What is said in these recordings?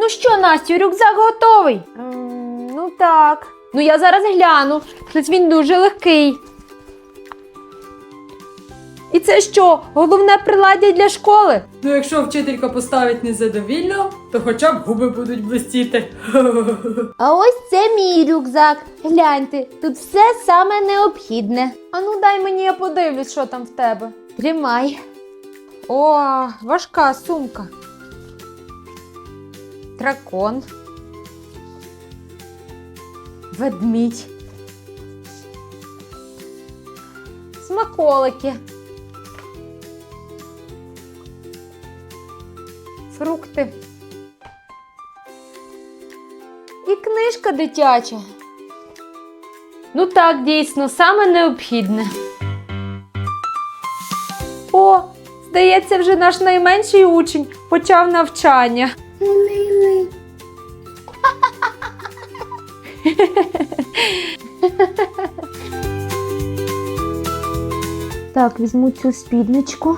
Ну що, Настю, рюкзак готовий? Ну так. Ну я зараз гляну. Щось він дуже легкий. І це що, головне приладдя для школи? Ну якщо вчителька поставить незадовільно, то хоча б губи будуть блистіти. А ось це мій рюкзак. Гляньте, тут все саме необхідне. А ну дай мені, я подивлюсь, що там в тебе. Тримай. О, важка сумка. Дракон. Ведмідь. Смаколики. Фрукти. І книжка дитяча. Ну так, дійсно, саме необхідне. О, здається, вже наш найменший учень почав навчання. Так, візьму цю спідничку.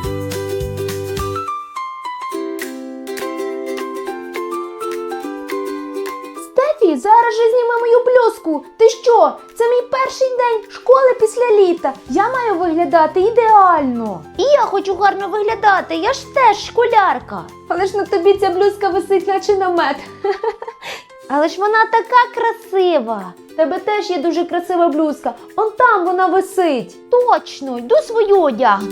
Стефі, зараз же зніми мою блузку. Ти що? Це мій перший день школи після літа. Я маю виглядати ідеально. І я хочу гарно виглядати, я ж теж школярка. Але ж на тобі ця блузка висить, наче намет. Але ж вона така красива. В тебе теж є дуже красива блузка. Он там вона висить. Точно, йду свою одягну.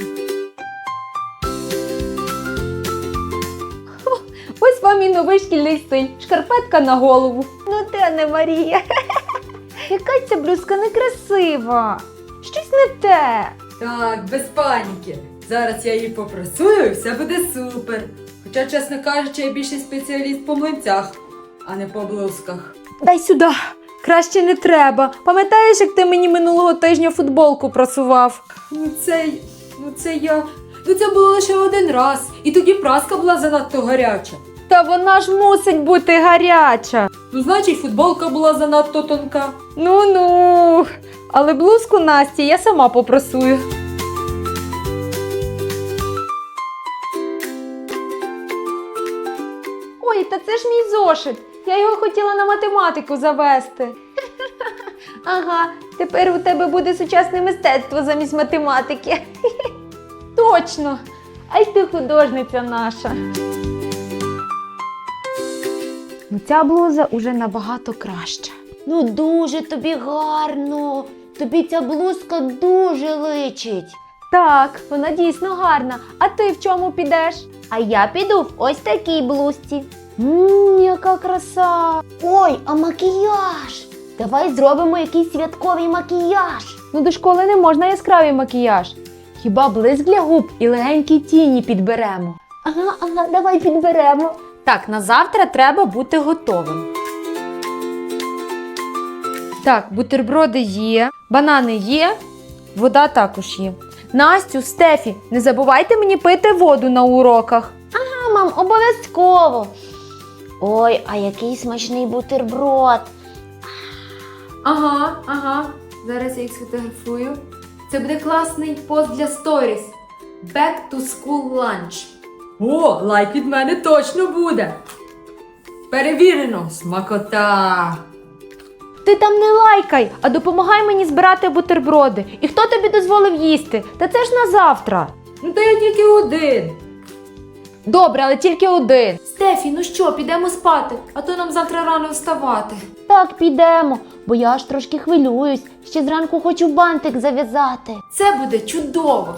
Ось вам і новий шкільний стиль. Шкарпетка на голову. Ну ти не Марія. Яка ця блузка некрасива. Щось не те. Так, без паніки. Зараз я її попрасую і все буде супер. Хоча, чесно кажучи, я більший спеціаліст по млинцях, а не по блузках. Дай сюди. Краще не треба. Пам'ятаєш, як ти мені минулого тижня футболку прасував? Це було лише один раз. І тоді праска була занадто гаряча. Та вона ж мусить бути гаряча. Ну, значить, футболка була занадто тонка. Ну. Але блузку Насті я сама попрасую. Ой, та це ж мій зошит. Я його хотіла на математику завести. Ага, тепер у тебе буде сучасне мистецтво замість математики. Точно. Ай ти художниця наша. Ну ця блуза уже набагато краща. Ну дуже тобі гарно. Тобі ця блузка дуже личить. Так, вона дійсно гарна. А ти в чому підеш? А я піду в ось такій блузці. Яка краса! Ой, а макіяж? Давай зробимо якийсь святковий макіяж. Ну до школи не можна яскравий макіяж. Хіба блиск для губ і легенькі тіні підберемо. Ага, давай підберемо. Так, на завтра треба бути готовим. Так, бутерброди є, банани є, вода також є. Настю, Стефі, не забувайте мені пити воду на уроках. Ага, мам, обов'язково. Ой, а який смачний бутерброд. Ага. Зараз я їх сфотографую. Це буде класний пост для сторіс. Back to school lunch. О, лайк від мене точно буде. Перевірено. Смакота. Ти там не лайкай, а допомагай мені збирати бутерброди. І хто тобі дозволив їсти? Та це ж на завтра. Ну та я тільки один. Добре, але тільки один. Стефі, ну що, підемо спати, а то нам завтра рано вставати. Так, підемо, бо я аж трошки хвилююсь. Ще зранку хочу бантик зав'язати. Це буде чудово.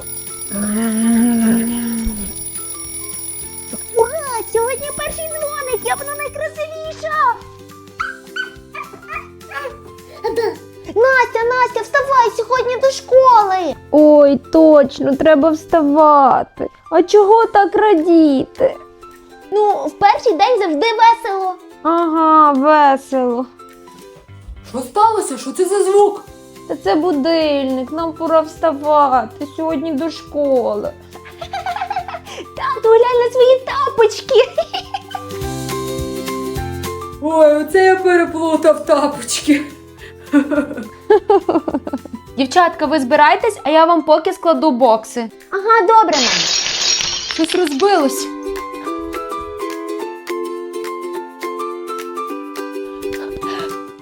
Ура! Сьогодні перший дзвоник, я буду найкрасивіша! Настя, вставай сьогодні до школи! Ой, точно, треба вставати. А чого так радіти? Ну, в перший день завжди весело. Ага, весело. Що сталося? Що це за звук? Та це будильник, нам пора вставати сьогодні до школи. Тату, глянь на свої тапочки. Ой, оце я переплутав тапочки. Дівчатка, ви збирайтесь, а я вам поки складу бокси. Ага, добре, мам. Щось розбилось.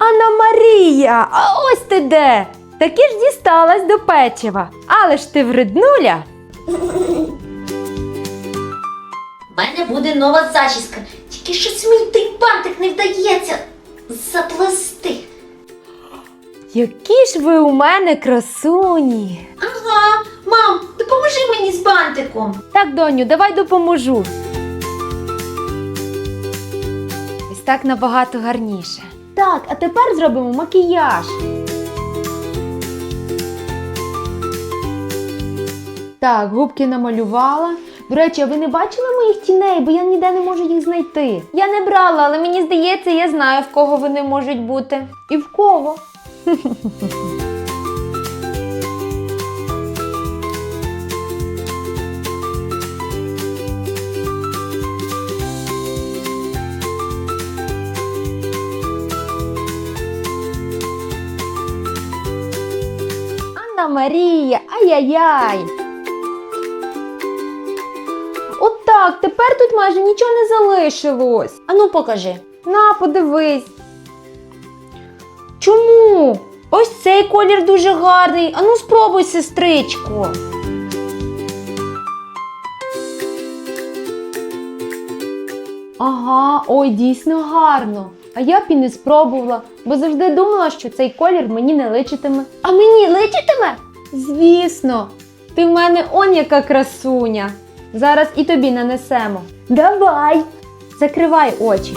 Анна Марія, а ось ти де? Таки ж дісталась до печива. Але ж ти вреднуля. У мене буде нова зачіска. Тільки щось мій той бантик не вдається заплести. Які ж ви у мене красуні. Ага, мам, допоможи мені з бантиком. Так, доню, давай допоможу. Ось так набагато гарніше. Так, а тепер зробимо макіяж. Так, губки намалювала. До речі, а ви не бачили моїх тіней, бо я ніде не можу їх знайти. Я не брала, але мені здається, я знаю, в кого вони можуть бути. І в кого? Анна Марія, ай-яй-яй. Отак, тепер тут майже нічого не залишилось. Ану, покажи. На, подивись. Чому? Ось цей колір дуже гарний. Ану, спробуй, сестричко. Ага, ой, дійсно гарно. А я б і не спробувала, бо завжди думала, що цей колір мені не личитиме. А мені личитиме? Звісно, ти в мене он яка красуня. Зараз і тобі нанесемо. Давай. Закривай очі.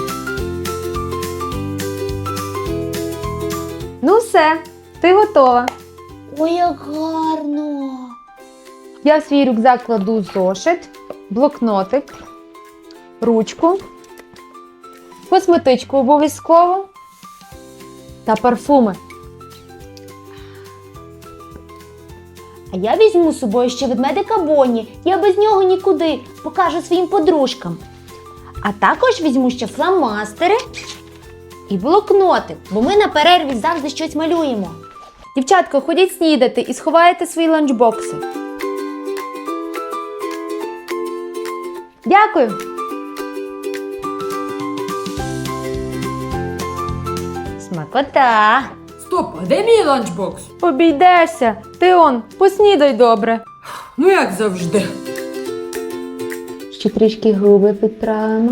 Ну все, ти готова. Ой, як гарно. Я в свій рюкзак кладу зошит, блокнотик, ручку, косметичку обов'язково та парфуми. А я візьму з собою ще ведмедика Бонні. Я без нього нікуди. Покажу своїм подружкам. А також візьму ще фломастери і блокнотик, бо ми на перерві завжди щось малюємо. Дівчатко, ходіть снідати і сховайте свої ланчбокси. Дякую. Смакота. Стоп, а де мій ланчбокс? Обійдешся. Ти он, поснідай добре. Ну як завжди. Ще трішки губи підправимо.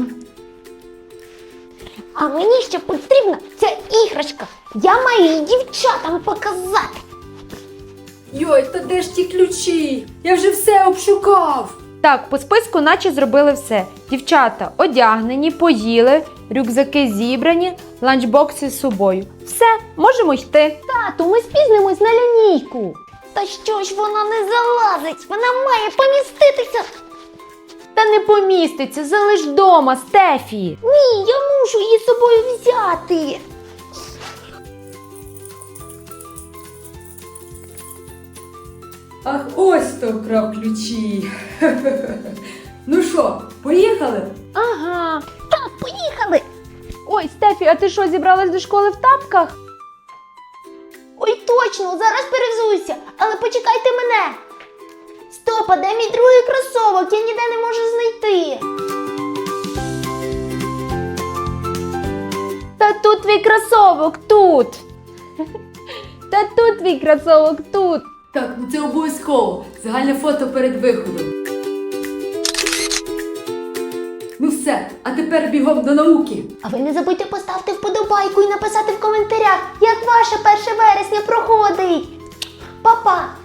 А мені ще потрібна ця іграшка. Я маю її дівчатам показати. Йой, та де ж ті ключі? Я вже все обшукав. Так, по списку наче зробили все. Дівчата одягнені, поїли, рюкзаки зібрані, ланчбокси з собою. Все, можемо йти. Тату, ми спізнимось на лінійку. Та що ж вона не залазить? Вона має поміститися. Та не поміститься, залиш вдома, Стефі. Ні, я мушу її з собою взяти. Ах, ось хто вкрав ключі. Ну що, поїхали? Ага. Так, поїхали. Ой, Стефі, а ти що, зібралась до школи в тапках? Ой, точно, зараз перевзуюся, але почекайте мене. Стоп, а де мій другий кросовок? Я ніде не можу знайти. Та тут твій кросовок, тут. Та тут твій кросовок, тут. Так, ну це обов'язково. Загальне фото перед виходом. Ну все, а тепер бігом до науки. А ви не забудьте поставити вподобайку і написати в коментарях, як ваше 1 вересня проходить. Па-па!